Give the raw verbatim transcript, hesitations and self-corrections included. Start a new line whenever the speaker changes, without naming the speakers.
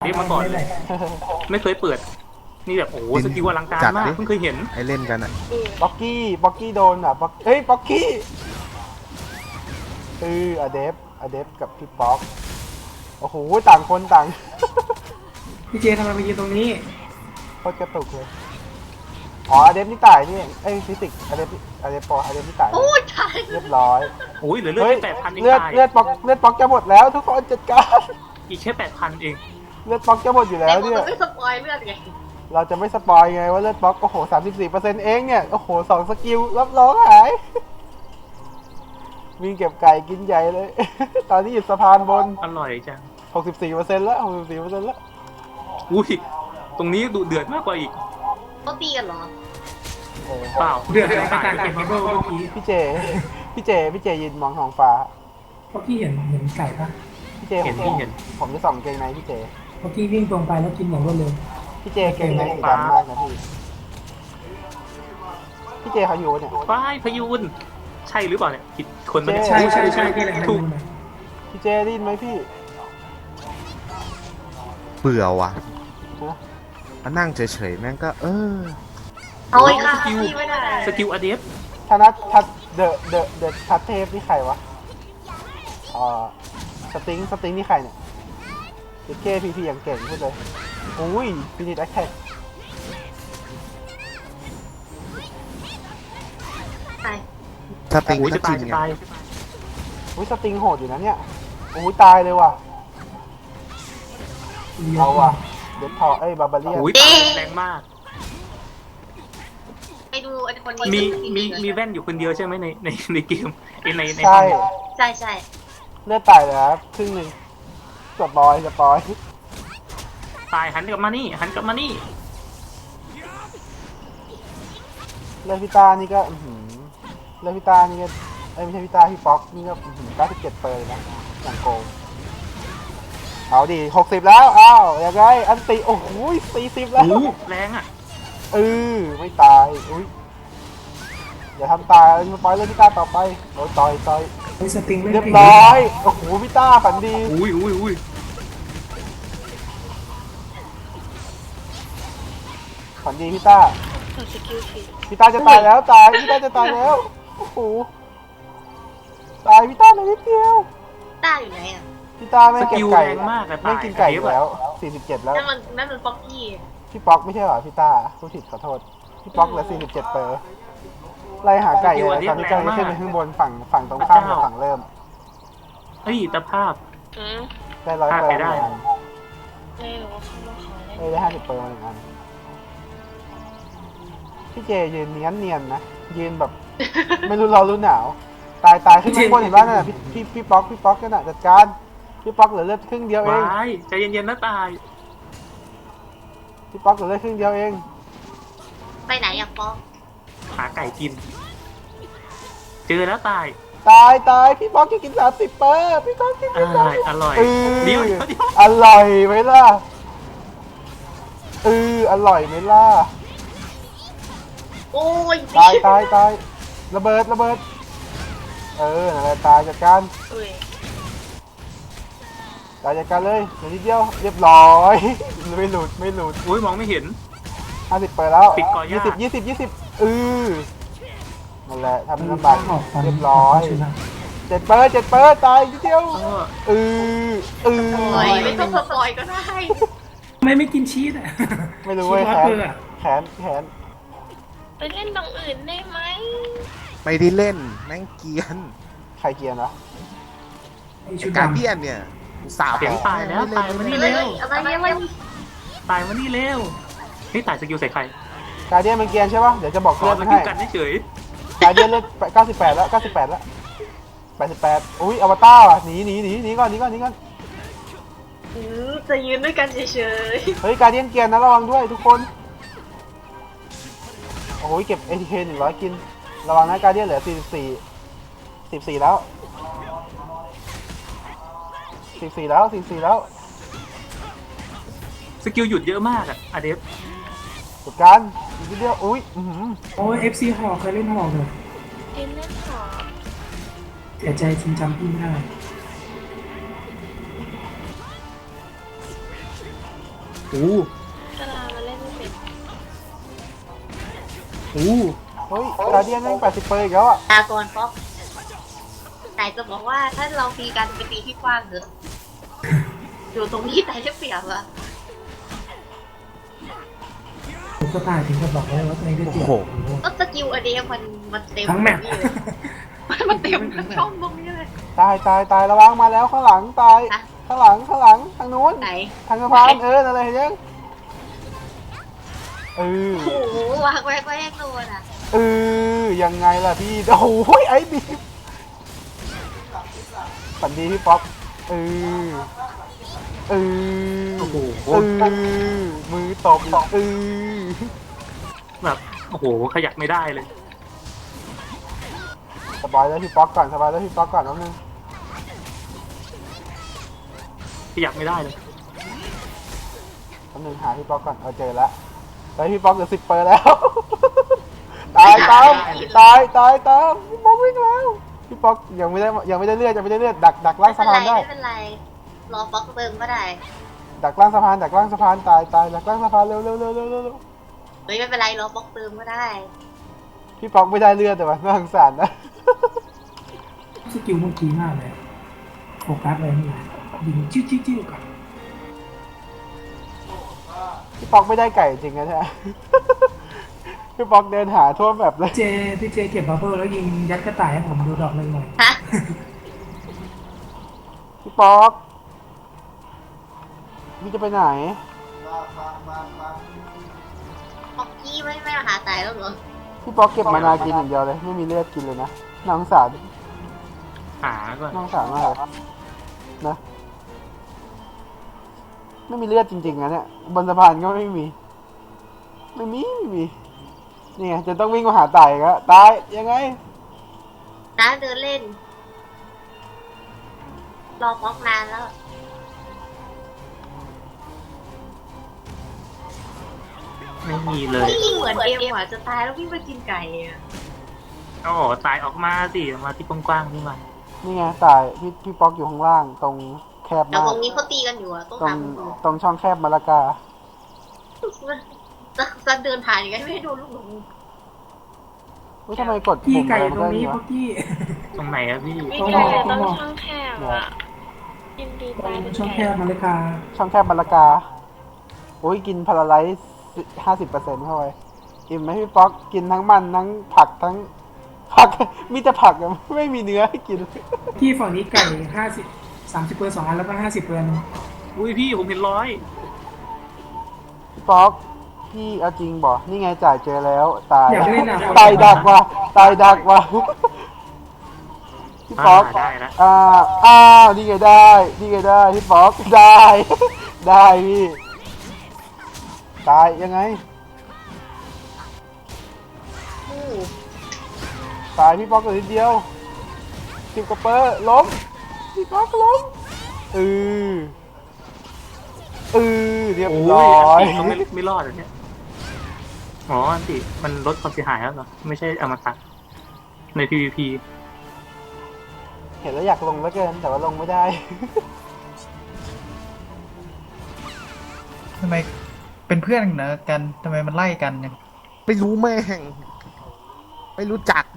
เรียกมาก่อนเลยไม่เคยเปิดนี่แบบโอ้โหสกิลอลังการมากเพิ่งเคยเห็น
ไอเล่นกันอ่ะ
บ็อกกี้บ็อกกี้โดนอ่ะบ็อกเอ้ยบ็อกกี้เอออเดฟอเดฟกับพี่ป๊อกโอ้โหต่างคนต่าง
พี่เจทำไมมายืนตรงนี้
โคตรกระตุกเลยอ๋ออเดฟนี่ตายนี่เอ้ยฟิสิกส์อเดฟอเดฟปออเดฟนี่ตาย
โอ้ยตาย
เรียบร้อย
โอ้ยเหลือเลือด
เฮ้ย
แค่แปดพันเอง
เลือด
ตาย
เลือดป๊อกเลือดป๊อกจะหมดแล้วทุกคนจัดการ
อีกแค่แปดพันเอง
เลือดป๊อกจะหมดอยู่แล้วเนี่ย
แต่ไม่สปอยเลือดไง
เราจะไม่สปอยไงว่าเลือดป๊อกโอ้โหสามสิบสี่เปอร์เซ็นต์เองเนี่ยโอ้โหสองสกิลรับรองหายวิ่งเก็บไก่กินใหญ่เลย ตอนนี้อยู่สะพานบน
อร่อยจัง
หกสิบสี่เปอร์เซ็นต์แล้วหกสิบสี่เปอร์เซ็นต์แล้ว
อุ้ยตรงนี้ดุเดือดมากกว่าอีก
เขาตีกันเหรอ
เออ
เปล่า
เดือดอะไรกับการเก็บบับเบิ้ลเมื่อกี้
พี่เจ พี่เจ พี่เจยืนมองท้องฟ้า
เพราะพี่เห็นเห็นไก่ปะ
พี่เจ
เห็น
ผม
พี่เห็น
ผมจะส่องเกงในพี่เจ
เพราะพี่วิ่งตรงไปแล้วกินอย่างรวดเร็ว
พี่เจเกงในสีดำมากนะพี่ พี่เจเขาอยู่เนี่ย
ฝ้ายพยูนใช่หรือเปล่าเนี่ยผิดคนมัน
เจ๊
ใช่ใช่ใช่พี่เลยให้
ถู
ดู
ก
หน่อย
พี่เจได้ยินไหมพี่
เบื่อว่ะ
ฮะ
มานั่งเฉยๆแม่งก็เออ
เอาเลยค่ะพี่ไม่ได้
สกิลอเดฟ
ธนัททัดเดอะเดอะเดอะทัดเทพนี่ใครวะอ่าสติงสติงนี่ใครเนี่ยเจเคพีพีอย่างเก่งพูดเลยอุ้ยฟินิชแอคแท็ก
ตาย
ถ้าติง
โอ้ย
ก็
จะ
จ
ตา
ริ
ย
ง
จะ
ไง
ตาย
อุ้ยสติงโหดอยู่นะเนี่ยอุ้ยตายเลยว่ะ
เลี้ยว
เอาว่ะเดดพอเอ้ยบาบาเลียน
โอ้ยตายแรงมาก
ไปดูไอ้คนนี้
มีมีมีแว่นอยู่คนเดียวใช่ไหมในในในเกมในในในห้
ใช่
อง
ใช่ใช่
เลือดตายเลยครับครึ่งหนึ่งสปอยสปอย
ตายหันกลับมานี่หันกลับมานี่
เลือดพิตานี่ก็อื้อหือเลือดพิตานี่ก็เอ้ยไม่ใช่พิตาพี่ป๊อกนี่ก็อื้อหือเก้าสิบเจ็ดเปอร์เลยนะอย่างโกงเอาดิหกสิบแล้วอ้าวยังไงอันติโอ้โหสี่สิบแล้ว
โอ้โหแรงอ่ะ
เออไม่ตายอุ้ยอย่าทำตายมาปล่อยเลือดพิตาต่อไปโอ้ยต่อยต่อย
ไอ้สติงไม่
เรียบ
ผิด
ร้อยโอ้โหพิตาฝันดี
อุ้ยอุ้ยอุ้ย
ฝันดีพิตา
ตัวสกิลผิด
พิตาจะตายแล้วตายพิตาจะตายแล้วโอ้โหตายพิตาเหลยนิดเดียว
ต้าอยู่ไหนอ่ะ
พี่ตาไม่เก็บไก่
แรงมากอะ
ไม่กินไก่อยู่แล้วสี่สิบเจ็ดแล้ว
นั่นมันนั่นมันป๊อกกี้
พี่ป๊อกไม่ใช่เหรอพี่ตาผู้ผิดขอโทษพี่ป๊อกเหลือสี่สิบเจ็ดเปอร์ไล่หาไก่เลยตอนนี้ไก่ขึ้นไปข้างบนฝั่งฝั่งตรงข้ามกับฝั่งเริ่ม
เฮ้ยตาภาพ
อืม
ได้ร้อยเปอร์
พลาดไปได้
หนึ่งอัน
ไม่รู้ว่าเขามาขอเล่น
เอ้ยได้ห้าสิบเปอร์มาหนึ่งอันพี่เจยืนเนียนเนียนๆนะยืนแบบ ไม่รู้ร้อนรู้หนาวตายตายขึ้นมาข้างบนเห็นป่ะนั่นน่ะพี่พี่พี่ป๊อกพี่ป๊อกนั่นน่ะจัดการพี่ป๊อกเหลือเลือดครึ่งเดียวเอง
วายใจเย็นๆนะตาย
พี่ป๊อกเหลือเลือดครึ่งเดียวเอง
ไปไหนอ่ะป๊อก
หาไก่กิน เจอแล้วตาย
ตายตายพี่ป๊อกจะกินสามสิบเปอร์พี่ป๊อกกิน
อ
ไม่
ร่
ได้
อยอร่อย
เออ
เดี๋ยวเดี๋ยวเดี๋ยว
อร่อยไหมล่ะเอออร่อยไหมล่ะ
โอ้ย
ตายตายตายระเบิดระเบิดเออนั่นแหละตายจัดการ
เอ้ย
ตายจัดการเลยเดี๋ยวนิดเดียวเรียบร้อย ไม่หลุดไม่หลุด
อุ้ยมองไม่เห็น
ห้าสิบเปิดแล้ว
ปิดก่อน
ยี่
ยาก
สิบยี่สิบยี่สิบเออนั่นแหละทำลำบาก
ออกฟัน
เรียบร้อย
ชนะ
เจ็ดเปิดเจ็ดเปิดตายนิดเดียว
เออ
เออเออ
โอ้ยไม่ต้องสปอยก็ได้
ทำไมไม่กินชีสอ่ะ
ไม่รู้เว้ย
ชีส
แข
วัด
น
เบอร์อะ
แขนแขน
ไปเล่นตรงอื่นได้ไหม
ไม่ได้เล่นแม่งเกรียน
ใครเกียร์นะ
ไอ้ชุด
การ
ดำ
เดียนเนี่ยสาว
เสียงตายแล้วตายมานี่
เฮ้
เร็
ยว อะไรเนี่ยมัน
ตายมานี่เร็วเฮ้ยตายสกิลใส่ใคร
การเดียนมันเกียร์ใช่ปะเดี๋ยวจะบอก
ขอ
เลือด
ส
มัน
กิล
ให้
กันเฉย
การเดียนเลือดเก้าสิบแปดแล้วเก้าสิบแปดแล้วแปดสิบแปดอุ้ยอวตารอ่ะหนีหนีหนีหนีก่อนหนีก่อนหนีก่อน
อืมจะยืนด้วยกันเฉย
เฮ้ยการเดียนเกียร์นะระวังด้วยทุกคนโอ้ยเก็บ เอ ที เค หนึ่งร้อยกินระวังนะการเดียนเหลือสี่สิบสี่สิบสี่แล้วสิบสี่แล้วสิบสี่แล้ว
สกิลหยุดเยอะมากอะอเดฟ
จัดการอีกนิดเดียวอุ้ยอื้อหือ
โอ้ยเอฟซีหอกเคยเล่นหอกเลย
ๆเล่นเล่นหอม
เสียใจจริงจำพี่ไม่ได้
โอ้
กะลามาเล่นไม่เป็น
โอ้
เฮ้ยกาเดียนแม่งแปดสิบเปอร์อีกแล้วอ่ะ
ตาก่อนป๊อกแต่จะบอกว่าถ้าเราตีกันไปตีที่กว้างเถอะอยู่ตรงนี้แต่จะเปรียบอะ
ผมก็ตายถึงกับบอกเลยว่าตัวเองได้เปรียบ
โอ้โห
ก็สกิลอันนี้มันมันเต็ม
ทั้งแมป
ตรงนี้เลยมันเต็มทั้งช่องตรงนี้เลย
ตายตายตายระวังมาแล้วข้างหลังตาย
ฮะ
ข้างหลังข้างหลังทางนู้น
ไหน
ทางสะพานเอออะไรเห็นยังเออ
โอ้โหวางไว้ก็แยกตัวน่ะ
เออยังไงล่ะพี่โอ้โหไอ้บีมฝันดีพี่ป๊อปเออเออ
โอ้โห
เออมือตบอีกเออ
แบบโอ้โหขยับไม่ได้เลย
สบายแล้วพี่ป๊อกก่อนสบายแล้วพี่ป๊อกก่อนนิดนึง
ขยับไม่ได้เลย
นิดนึงหาพี่ป๊อกก่อนเอาเจอแล้วตอนพี่ป๊อกเหลือสิบเปอร์แล้ว ตายตามตายตายตามพี่ป๊อกวิ่งแล้วพี่ป๊อกยังไม่ได้ยังไม่ได้เลือดยังไม่ได้เลือดดักดักล่าง
ไม่
สะ
เป็นไร
พานได้
ไม่เป็นไรรอป๊อกเติมก็ได้
ดักล่างสะพานดักล่างสะพานตายตายดักล่างสะพานเร็วเร็วเร็วเร็วเร็วเร็ว
เฮ้ยไม่เป็นไรรอป๊อกเติมก็ได้
พี่ป๊อกไม่ได้เลือดแต่ว่าน่าสงสารนะ
สกิลเมื่อกี้มากเลยโฟกัสเลยนี่ยิงจิ้วจิ้วจิ้วก่อน
พี่ป๊อกไม่ได้ไก่จริงนะเนี่ย พี่ป๊อกเดินหาทั่วแบบเลย
เจพี่เจเก็บบัฟเฟอร์แล้วยิงยัดกระต่ายให้ผมดูดอกเลยหน่อย
ฮะ
พี่ป๊อกพี่จะไปไหน
ป๊อกกี้ไม่ไม่มาหาตายแล้วเหรอ
พี่ป๊อกเก็บมานากินอย่างเดียวเลยไม่มีเลือดกินเลยนะน่าสงสาร
หาก่อน
น่าสงสารมากเลยนะไม่มีเลือดจริงๆนะเนี่ยบนสะพานก็ไม่มี ไม่มีไม่มีนี่ไงจะต้องวิ่งมาหาตายอีกแล้วตายยังไง
น้าเดินเล่น รอป๊อกนานแล้ว
ไม่มีเลย
พี่ยิงเหมือนเกมหวาจะตายแล้วพี่มากินไก่อะ
โอ้โหตายออกมาสิออกมาที่กว้างๆนี่มา
นี่ไงตายพี่พี่ป๊อกอยู่ข้างล่างตรงแคบ
แต่
มาก
ตรงนี้เขาตีกันอยู่อะต้อง
ตรง
ทำดู
ตรงช่องแคบมาลากา
จะจะเดินผ่านอย่างไงไม่ให้โดนลูกหลง
อุ๊ยทำไมกด
พี่
ปุ่ม
ไก่
อะไร
ต
มั
รง
น
นี้
ได้
พวกพี่
ตรงไหนอะพี่
ต้
ไม่
อง
ไก่
บอกต้
ต้
อ
องง
บอก
ช่องแคบอ่ะยินดีตายเป็น
ช่องแค
ไก่
บมาเลยค่ะ
ช่องแคบมาลากาโอ้ยกินพาราไลซ์ห้าสิบเปอร์เซ็นต์เข้าไปอิ่มไหมพี่ป๊อกกินทั้งมันทั้งผักทั้งผัก มีแต่ผักอะไม่มีเนื้อให้กิน
พี่ฝั่งนี้ไก่ห้าสิบสามสิบเปอร์สองอันแล้วก็ห้าสิบเปอร์
อุ้ยพี่ผมเห็นร้อย
พี่ป๊อกพี่เอาจริงบ่นี่ไงจ่ายเจอแล้วตาย
อยากเล่นอ่ะ
ตายดักว่ะตายดักว่ะพี่ป๊อก
อ่าได้แล้ว
อ่าอ้าวนี่ไงได้นี่ไงได้พี่ป๊อกได้ ได้พี่ตายยังไง
อู้
ตายพี่ป๊อกตัวนิดเดียวสิบกว่าเปอร์ล้มพี่ป๊อกล้มเออเออเรียบ
โอ้
ร้
ย
อ
อัน
ย
ติเขาไม่ไม่รอดเลยเนี่ยอ๋ออันติมันลดความเสียหายแล้วเหรอไม่ใช่อมตะใน พี วี พี
เห็นแล้วอยากลงแล้วเกินแต่ว่าลงไม่ได้
ทำไมเป็นเพื่อนกันนะกันทำไมมันไล่กันเนี่ย
ไม่รู้แม่ง ไม่รู้จัก